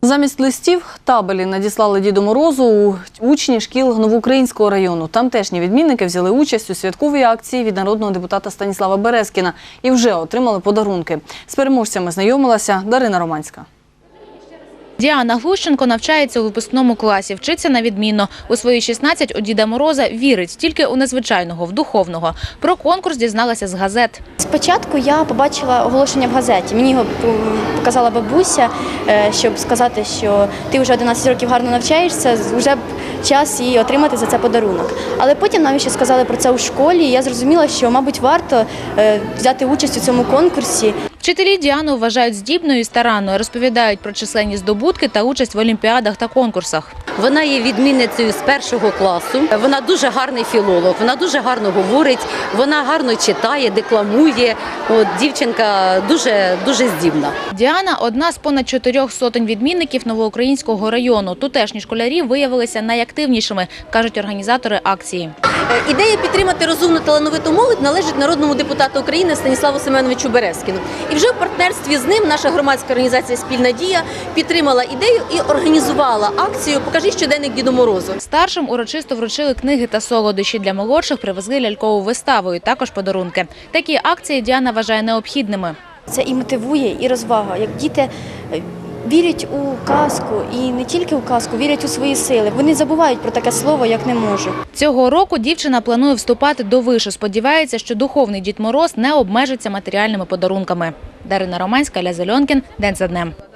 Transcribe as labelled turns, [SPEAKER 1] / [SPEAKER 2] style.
[SPEAKER 1] Замість листів табелі надіслали Діду Морозу учні шкіл Новоукраїнського району. Тамтешні відмінники взяли участь у святковій акції від народного депутата Станіслава Березкіна і вже отримали подарунки. З переможцями знайомилася Дарина Романська.
[SPEAKER 2] Діана Глущенко навчається у випускному класі, вчиться на відмінно. У свої 16 у Діда Мороза вірить тільки у незвичайного, в духовного. Про конкурс дізналася з газет.
[SPEAKER 3] Спочатку я побачила оголошення в газеті. Мені його показала бабуся, щоб сказати, що ти вже 11 років гарно навчаєшся, вже б час і отримати за це подарунок. Але потім нам ще сказали про це у школі, і я зрозуміла, що, мабуть, варто взяти участь у цьому конкурсі.
[SPEAKER 2] Вчителі Діану вважають здібною і старанною, розповідають про численні здобутки та участь в олімпіадах та конкурсах.
[SPEAKER 4] Вона є відмінницею з першого класу, вона дуже гарний філолог, вона дуже гарно говорить, вона гарно читає, декламує. Дівчинка дуже здібна.
[SPEAKER 2] Діана – одна з понад 400 відмінників Новоукраїнського району. Тутешні школярі виявилися найактивнішими, кажуть організатори акції.
[SPEAKER 5] Ідея підтримати розумну талановиту молодь належить народному депутату України Станіславу Семеновичу Березкіну. І вже в партнерстві з ним наша громадська організація «Спільна дія» підтримала ідею і організувала акцію «Покажи щоденник Діду Морозу».
[SPEAKER 2] Старшим урочисто вручили книги та солодощі. Для молодших привезли лялькову виставу і також подарунки. Такі акції Діана вважає необхідними.
[SPEAKER 3] Це і мотивує, і розвага. Як діти вірять у казку, і не тільки у казку, вірять у свої сили. Вони забувають про таке слово, як «не можу».
[SPEAKER 2] Цього року дівчина планує вступати до вишу. Сподівається, що духовний Дід Мороз не обмежиться матеріальними подарунками. Дарина Романська, Ля Зельонкін. День за днем.